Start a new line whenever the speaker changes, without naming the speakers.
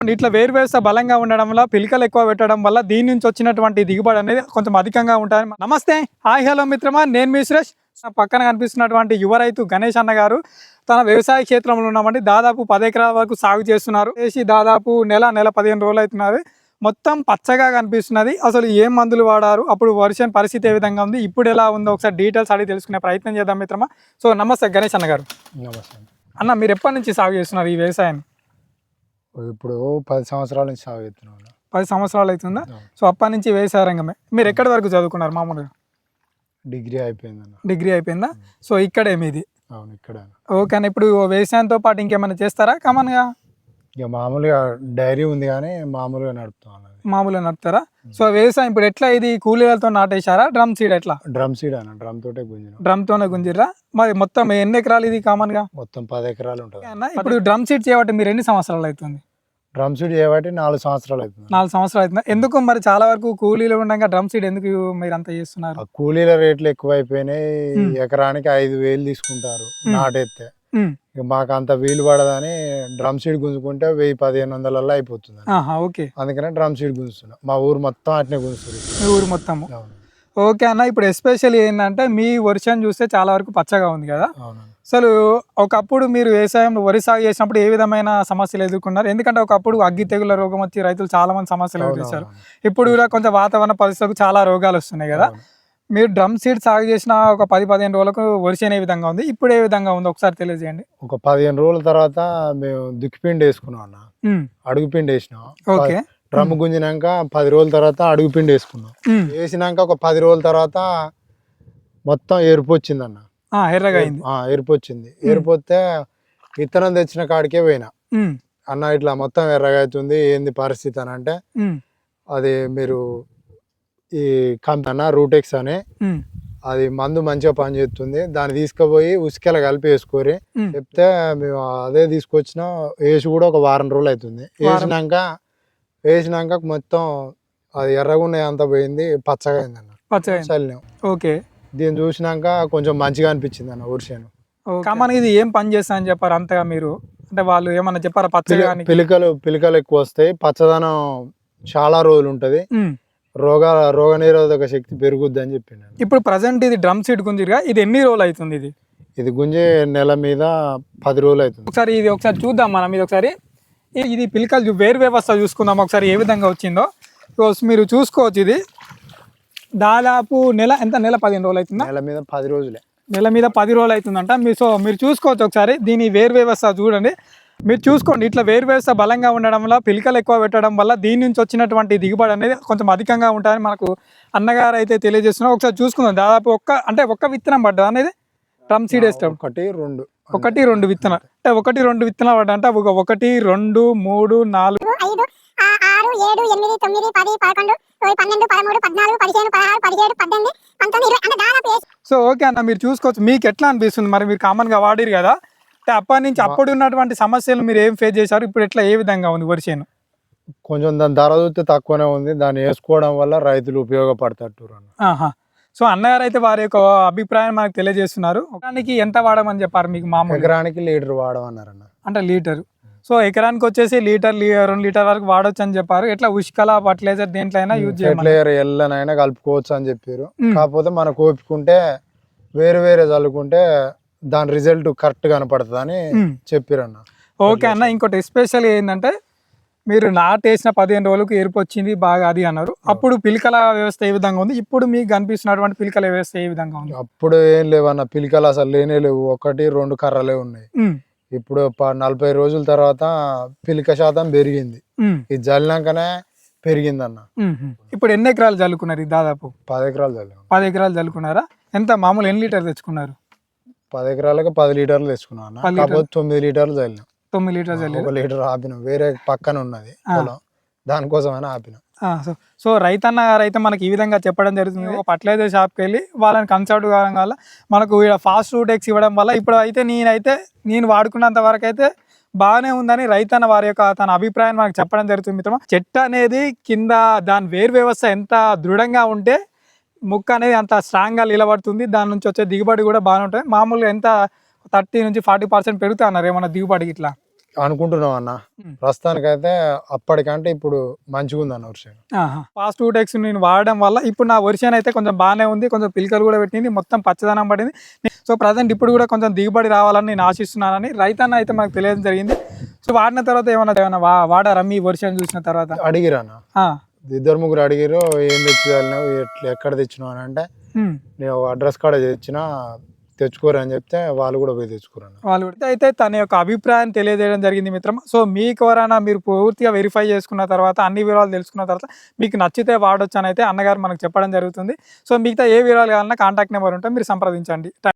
ఇట్లా వేరు వ్యవస్థ బలంగా ఉండడం వల్ల పిలకలు ఎక్కువ పెట్టడం వల్ల దీని నుంచి వచ్చినటువంటి దిగుబడి అనేది కొంచెం అధికంగా ఉంటుంది. నమస్తే, హాయ్, హలో మిత్రమా, నేను మీ సురేష్. పక్కన కనిపిస్తున్నటువంటి యువ రైతు గణేష్ అన్న గారు తన వ్యవసాయ క్షేత్రంలో ఉన్నామండి. దాదాపు 10 ఎకరాల వరకు సాగు చేస్తున్నారు. చేసి దాదాపు నెల 15 రోజులు అవుతున్నారు. మొత్తం పచ్చగా కనిపిస్తున్నది. అసలు ఏం మందులు వాడారు, అప్పుడు వర్షం పరిస్థితి ఏ విధంగా ఉంది, ఇప్పుడు ఎలా ఉందో ఒకసారి డీటెయిల్స్ అడిగి తెలుసుకునే ప్రయత్నం చేద్దాం మిత్రమా. సో నమస్తే గణేష్ అన్న గారు.
నమస్తే
అన్న, మీరు ఎప్పటి నుంచి సాగు చేస్తున్నారు ఈ వ్యవసాయాన్ని?
ఇప్పుడు 10 సంవత్సరాల నుంచి సాగు చేస్తున్నాను.
10 సంవత్సరాలు అవుతుందా? సో అప్పటి నుంచి వ్యవసాయ రంగమే. మీరు ఎక్కడి వరకు చదువుకున్నారు మామూలుగా?
డిగ్రీ అయిపోయిందన్న.
డిగ్రీ అయిపోయిందా? సో ఇక్కడే మీది?
అవును, ఇక్కడ.
ఓకే అన్న, ఇప్పుడు వ్యవసాయంతో పాటు ఇంకేమైనా చేస్తారా కామన్గా?
ఇక మామూలుగా డైరీ ఉంది కానీ మామూలుగా నడుపుతాం.
మామూలుగా నడుపుతారా? సో వ్యవసాయం ఇప్పుడు ఎట్లా, ఇది కూలీలతో నాటేశారా, డ్రమ్ సీడ్ ఎట్లా?
డ్రమ్ సీడ్ అన్న, డ్రమ్ తోటే గుంజిన.
డ్రమ్ తోనే గుంజిర్రా? మరి మొత్తం ఎన్ని ఎకరాలు ఇది కామన్గా?
మొత్తం 10 ఎకరాలు ఉంటుంది
అన్న. ఇప్పుడు డ్రమ్ సీడ్ చేయబట్టి మీరు ఎన్ని సంవత్సరాలు అవుతుంది?
డ్రమ్ సీడ్ చేయబట్టి 4 సంవత్సరాలు అవుతుంది.
4 సంవత్సరాలు అవుతుంది. ఎందుకు మరి చాలా వరకు కూలీలు ఉండగా డ్రమ్ సీడ్ ఎందుకు మీరు అంత చేస్తున్నారు?
కూలీల రేట్లు ఎక్కువ అయిపోయినాయి. ఎకరానికి 5,000 తీసుకుంటారు నాటేస్తే. ఇక మాకు అంత వీలు పడదని డ్రమ్ సీడ్ గుంజుకుంటే 1000-1500 అయిపోతుంది.
ఓకే,
అందుకనే డ్రమ్ సీడ్ గుంజుతున్నాం. మా ఊరు మొత్తం అట్నే గుంజుతుంది.
మీ ఊరు మొత్తము? ఓకే అన్న. ఇప్పుడు ఎస్పెషల్లీ ఏంటంటే మీ వర్షం చూస్తే చాలా వరకు పచ్చగా ఉంది కదా. అసలు ఒకప్పుడు మీరు వ్యవసాయంలో వరి సాగు చేసినప్పుడు ఏ విధమైన సమస్యలు ఎదుర్కొన్నారు? ఎందుకంటే ఒకప్పుడు అగ్గి తెగుల రోగం వచ్చి రైతులు చాలా మంది సమస్యలు ఎదుర్కొన్నారు. ఇప్పుడు కూడా కొంచెం వాతావరణ పరిస్థితులకు చాలా రోగాలు వస్తున్నాయి కదా. మీరు డ్రమ్ సీడ్ సాగు చేసిన ఒక 10-15 రోజులకు వర్షం ఏ విధంగా ఉంది, ఇప్పుడు ఏ విధంగా ఉంది ఒకసారి తెలియజేయండి.
ఒక 15 రోజుల తర్వాత మేము దుక్కిపిండి వేసుకున్నాం అన్న. అడుగుపిండి వేసినాం.
ఓకే.
డ్రమ్ గుంజినాక 10 రోజుల తర్వాత అడుగుపిండి వేసుకున్నాం. వేసినాక ఒక 10 రోజుల తర్వాత మొత్తం ఎరుపు వచ్చింది అన్న.
ఎర్రగా అయింది.
ఎరుపు వచ్చింది. ఎరుపోతే విత్తనం తెచ్చిన కాడికే పోయినా. అన్న ఇట్లా మొత్తం ఎర్రగా అవుతుంది, ఏంది పరిస్థితి అని అంటే, అది మీరు ఈ కంపెనీ రూటెక్స్ అని అది మందు మంచిగా పనిచేస్తుంది, దాన్ని తీసుకుపోయి ఉసుకెల కలిపి వేసుకోరి చెప్తే మేము అదే తీసుకొచ్చినా. వేసి కూడా ఒక వారం రోజులు అవుతుంది. వేసినాక మొత్తం అది ఎర్రగా ఉన్నాయి అంతా పోయింది, పచ్చగా అయింది అన్న. చల్లినాం.
ఓకే.
దీన్ని చూసినాక కొంచెం మంచిగా అనిపించింది అన్న వర్షం.
కామన్ ఇది ఏం పని చేస్తా అని చెప్పారు అంతగా మీరు? అంటే వాళ్ళు ఏమన్నా చెప్పారా? పచ్చగా
పిలకలు ఎక్కువ వస్తాయి, పచ్చదనం చాలా రోజులు ఉంటది, రోగ నిరోధక శక్తి పెరుగుద్ది అని చెప్పిండు.
ఇప్పుడు ప్రజెంట్ ఇది డ్రమ్ సీడ్ గుంజిగా ఇది ఎన్ని రోజులు అవుతుంది?
ఇది గుంజే నెల మీద 10 రోజులు అవుతుంది.
ఒకసారి ఇది ఒకసారి చూద్దాం మనం. ఇది ఒకసారి ఇది పిలకలు వేరు వ్యవస్థ చూసుకుందాం ఒకసారి ఏ విధంగా వచ్చిందో. మీరు చూసుకోవచ్చు. ఇది దాదాపు నెల 15 రోజులు అవుతుందా?
నెల మీద 10 రోజులే.
నెల మీద 10 రోజులు అవుతుందంట. మీరు చూసుకోవచ్చు ఒకసారి దీని వేరు వ్యవస్థ చూడండి. మీరు చూసుకోండి, ఇట్లా వేరు వ్యవస్థ బలంగా ఉండడం వల్ల పిలకలు ఎక్కువ పెట్టడం వల్ల దీని నుంచి వచ్చినటువంటి దిగుబడి అనేది కొంచెం అధికంగా ఉంటుందని మనకు అన్నగారు అయితే తెలియజేస్తున్నారు. ఒకసారి చూసుకుందాం. దాదాపు ఒక్క విత్తనం పడ్డా అనేది డ్రమ్ సీడ్ వేస్తాం. 1-2 విత్తనాలు అంటే 1-2 విత్తనాలు పడ్డా అంటే 1 2 3 4 5 6 7 8 9 10 11 12 13 14 15 16 16 17 18 19 20 అంటే దాదాపు. సో ఓకే అన్న, మీరు చూసుకోవచ్చు. మీకు ఎట్లా అనిపిస్తుంది? మరి మీరు కామన్గా వాడిరు కదా, అంటే అప్పటి నుంచి అప్పుడు ఉన్నటువంటి సమస్యలు మీరు ఏం ఫేస్ చేశారు, ఇప్పుడు ఎట్లా ఏ విధంగా ఉంది వరిసేను?
కొంచెం దాని ధర చూస్తే తక్కువనే ఉంది. దాన్ని వేసుకోవడం వల్ల రైతులు ఉపయోగపడతారు.
సో అన్నగారు అయితే వారి యొక్క అభిప్రాయం మనకు తెలియజేస్తున్నారు. ఎకరానికి ఎంత వాడమని చెప్పారు మీకు? మామూలు
ఎకరానికి లీటర్ వాడమన్నారన్న.
అంటే లీటర్. సో ఎకరానికి వచ్చేసి 2 లీటర్ వరకు వాడొచ్చు అని చెప్పారు. ఎట్లా ఉష్కల ఫర్టిలైజర్ దేంట్లో అయినా యూజ్ చేయాలి,
ఎల్లనైనా కలుపుకోవచ్చు అని చెప్పారు. కాకపోతే మనకు ఓపుకుంటే వేరే చల్లుకుంటే దాని రిజల్ట్ కరెక్ట్ కనపడుతుంది అని చెప్పారు అన్న.
ఓకే అన్న. ఇంకోటి ఎస్పెషల్ ఏంటంటే మీరు నాటేసిన 15 రోజులకు ఎరుపు వచ్చింది బాగా అది అన్నారు. అప్పుడు పిలకల వ్యవస్థ ఏ విధంగా ఉంది, ఇప్పుడు మీకు కనిపిస్తున్నటువంటి పిలకల వ్యవస్థ ఏ విధంగా ఉంది?
అప్పుడు ఏం లేవన్న, పిలకలు అసలు లేనే లేవు. 1-2 కర్రలే ఉన్నాయి. ఇప్పుడు 40 రోజుల తర్వాత పిలక శాతం పెరిగింది. ఇది జల్లినాకనే పెరిగింది అన్న.
ఇప్పుడు ఎన్ని ఎకరాలు చల్లుకున్నారు? దాదాపు
10 ఎకరాలు చల్లాం.
10 ఎకరాలు చల్లుకున్నారా? ఎంత మామూలు ఎన్ని లీటర్ తెచ్చుకున్నారు?
10 ఎకరాలకు 10 లీటర్లు తెచ్చుకున్నాం అన్న. కాకపోతే 9 లీటర్లు చల్లినాం.
9 లీటర్లు చల్లి
1 లీటర్ ఆపినాం. వేరే పక్కన ఉన్నది పొలం, దానికోసమైనా ఆపినాం.
సో రైతన్న గారు అయితే మనకి ఈ విధంగా చెప్పడం జరుగుతుంది. ఒక ఫర్టిలైజర్ షాప్కి వెళ్ళి వాళ్ళని కన్సల్ట్ కావడం వల్ల మనకు ఫాస్ట్ రూటెక్స్ ఇవ్వడం వల్ల ఇప్పుడు అయితే నేను వాడుకున్నంత వరకు అయితే బాగానే ఉందని రైతన్న వారి యొక్క తన అభిప్రాయం మనకు చెప్పడం జరుగుతుంది. మిత్రమా, చెట్టు అనేది కింద దాని వేరు వ్యవస్థ ఎంత దృఢంగా ఉంటే ముక్క అనేది అంత స్ట్రాంగ్గా నిలబడుతుంది. దాని నుంచి వచ్చే దిగుబడి కూడా బాగానే ఉంటుంది. మామూలుగా ఎంత 30 నుంచి 40% పెరుగుతా అన్నారు ఏమన్నా దిగుబడి ఇట్లా?
అనుకుంటున్నాం అన్న. ప్రస్తుతానికైతే అప్పటికంటే ఇప్పుడు మంచిగా ఉంది అన్న వర్షం.
ఫాస్ట్ ఫుడ్ ఎక్స్ నేను వాడడం వల్ల ఇప్పుడు నా వర్షన్ అయితే కొంచెం బాగానే ఉంది, కొంచెం పిలకలు కూడా పెట్టింది, మొత్తం పచ్చదనం పడింది. సో ప్రజెంట్ ఇప్పుడు కూడా కొంచెం దిగుబడి రావాలని నేను ఆశిస్తున్నానని రైతన్న అయితే మనకు తెలియడం జరిగింది. సో వాడిన తర్వాత ఏమన్నా వాడారా మీ వర్షన్ చూసిన తర్వాత?
అడిగిరానా, 2-3 అడిగిరు, ఏం తెచ్చినావు, ఎక్కడ తెచ్చినావు అని అంటే నేను అడ్రస్ కాడ తెచ్చిన, తెచ్చుకోరు అని చెప్తే వాళ్ళు కూడా పోయి తెచ్చుకోరన్న.
వాళ్ళు కూడా అయితే తన యొక్క అభిప్రాయం తెలియజేయడం జరిగింది మిత్రమా. సో మీకు ఎవరైనా మీరు పూర్తిగా వెరిఫై చేసుకున్న తర్వాత అన్ని వివరాలు తెలుసుకున్న తర్వాత మీకు నచ్చితే వాడొచ్చు అని అయితే అన్నగారు మనకు చెప్పడం జరుగుతుంది. సో మిగతా ఏ వివరాలు కావాలన్నా కాంటాక్ట్ నెంబర్ ఉంటే మీరు సంప్రదించండి.